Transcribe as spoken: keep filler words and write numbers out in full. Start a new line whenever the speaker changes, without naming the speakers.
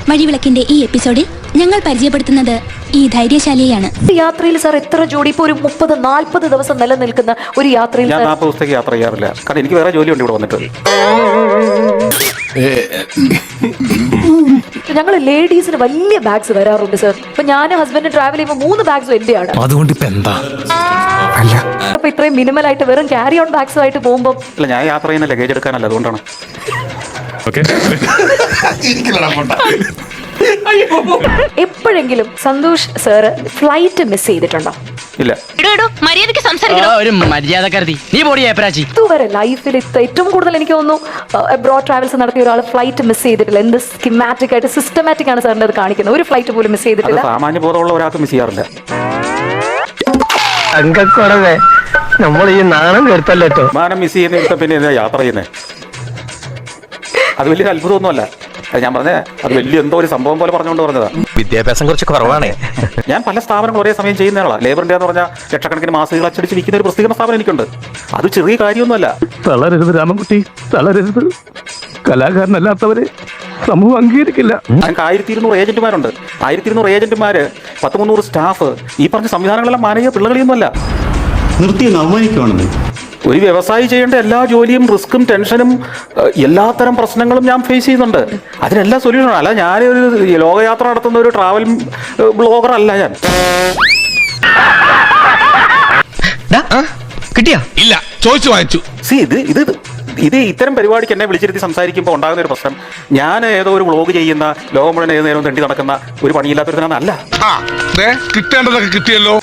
വഴിവിളക്കിന്റെ ഈ എപ്പിസോഡിൽ ഞങ്ങൾ പരിചയപ്പെടുത്തുന്നത് ഈ ധൈര്യശാലിയാണ്.
യാത്രയിൽ സാർ എത്ര ജോഡി ഇപ്പൊ ഒരു മുപ്പത് നാല്പത് ദിവസം നിലനിൽക്കുന്ന ഒരു യാത്രയിൽ
ഞാൻ നാൽപ്പത് ദിവസത്തേക്ക് യാത്ര ചെയ്യാറില്ല. കാരണം എനിക്ക് വേറെ ജോലിയുണ്ട് ഇവിടെ വന്നിട്ട്.
ഞങ്ങൾ ലേഡീസിന് വലിയ ബാഗ്സ് വരാറുണ്ട് സാർ. ഇപ്പൊ ഞാൻ ഹസ്ബൻഡ് ട്രാവൽ ചെയ്യുമ്പോൾ മൂന്ന് ബാഗ്സും എന്റെയാണ്.
അതുകൊണ്ട് ഇപ്പൊ എന്താ
അപ്പൊ ഇത്രയും മിനിമൽ ആയിട്ട് വെറും ക്യാരി ഓൺ ബാഗ്സ് ആയിട്ട് പോകുമ്പോൾ
അല്ല, ഞാൻ യാത്ര ചെയ്യുന്ന ലഗേജ് എടുക്കാനല്ല, അതുകൊണ്ടാണ്.
എപ്പോഴെങ്കിലും സന്തോഷ് സാറ് ഫ്ലൈറ്റ് മിസ് ചെയ്തിട്ടുണ്ടോ?
ഇല്ല.
ഒരു മര്യാദക്കാരത്തി നീ പോടി ഏപ്രാച്ചി.
ഇതുവരെ ലൈഫിൽ ഏറ്റവും കൂടുതൽ എനിക്ക് തോന്നുന്നു അബ്രോഡ് ട്രാവൽസ് നടത്തിയ ഒരാൾ ഫ്ലൈറ്റ് മിസ് ചെയ്തിട്ടില്ല. എന്ത് സ്കിമാറ്റിക് ആയിട്ട് സിസ്റ്റമാറ്റിക് ആണ് സാറിന് അത് കാണിക്കുന്നത്. ഒരു ഫ്ലൈറ്റ് പോലും മിസ് ചെയ്തിട്ടില്ല.
സാമാന്യ ബോധമുള്ള ഒരാൾക്ക് മിസ് ചെയ്യാറില്ല.
അങ്കക്കുറവേ നമ്മൾ ഈ നാണം കെടുത്തല്ലോ.
വിമാനം മിസ് ചെയ്യുന്ന പിന്നെ എന്താ യാത്ര ചെയ്യുന്നത്? അത് വലിയൊരു അത്ഭുതമൊന്നുമല്ല. അത് ഞാൻ പറഞ്ഞേ, അത് വലിയ എന്തോ ഒരു സംഭവം പോലെ പറഞ്ഞുകൊണ്ട് പറഞ്ഞതാ.
വിദ്യാഭ്യാസം കുറച്ച് കുറവാണ്.
ഞാൻ പല സ്ഥാപനങ്ങൾ ഒരേ സമയം ചെയ്യുന്നയാളാണ്. ലേബർ ഇന്ത്യ എന്ന് പറഞ്ഞാൽ ലക്ഷക്കണക്കിന് മാസികകൾ അച്ചടിച്ച് വിൽക്കുന്ന ഒരു പ്രസിദ്ധീകരണ സ്ഥാപനം എനിക്കുണ്ട്. അത് ചെറിയ കാര്യമൊന്നുമല്ല.
തളരരുത് രാമൻകുട്ടി, തളരരുത്. കലാകാരനല്ലാത്തവരെ സമൂഹം അംഗീകരിക്കില്ല.
ഞങ്ങൾക്ക് ആയിരത്തി ഇരുന്നൂറ് ഏജന്റുമാരുണ്ട്. ആയിരത്തി ഇരുന്നൂറ് ഏജന്റുമാര്, പത്ത് മുന്നൂറ് സ്റ്റാഫ്. ഈ പറഞ്ഞ സംവിധാനങ്ങളെല്ലാം മാനവീയ പിള്ളകളിയൊന്നുമല്ല.
നിർത്തി അവമാനിക്കുവാണെന്ന്.
ഒരു വ്യവസായി ചെയ്യേണ്ട എല്ലാ ജോലിയും റിസ്ക്കും ടെൻഷനും എല്ലാത്തരം പ്രശ്നങ്ങളും ഞാൻ ഫേസ് ചെയ്യുന്നുണ്ട്. അതിനെല്ലാം സൊല്യൂഷനാണ്. അല്ല, ഞാനൊരു ലോകയാത്ര നടത്തുന്ന ഒരു ട്രാവൽ ബ്ലോഗർ അല്ല ഞാൻ.
കിട്ടിയാ
ഇല്ല, ചോദിച്ചു വാങ്ങിച്ചു.
സി ഇത് ഇത് ഇത് ഇത്തരം പരിപാടിക്ക് എന്നെ വിളിച്ചിരുത്തി സംസാരിക്കുമ്പോൾ ഉണ്ടാകുന്ന ഒരു പ്രശ്നം, ഞാൻ ഏതോ ഒരു വ്ളോഗ് ചെയ്യുന്ന ലോകം മുഴുവൻ ഏത് നേരവും തെണ്ടി നടക്കുന്ന ഒരു പണിയില്ലാത്തൊരുത്തനാണ്. അല്ല,
കിട്ടേണ്ടതൊക്കെ കിട്ടിയല്ലോ.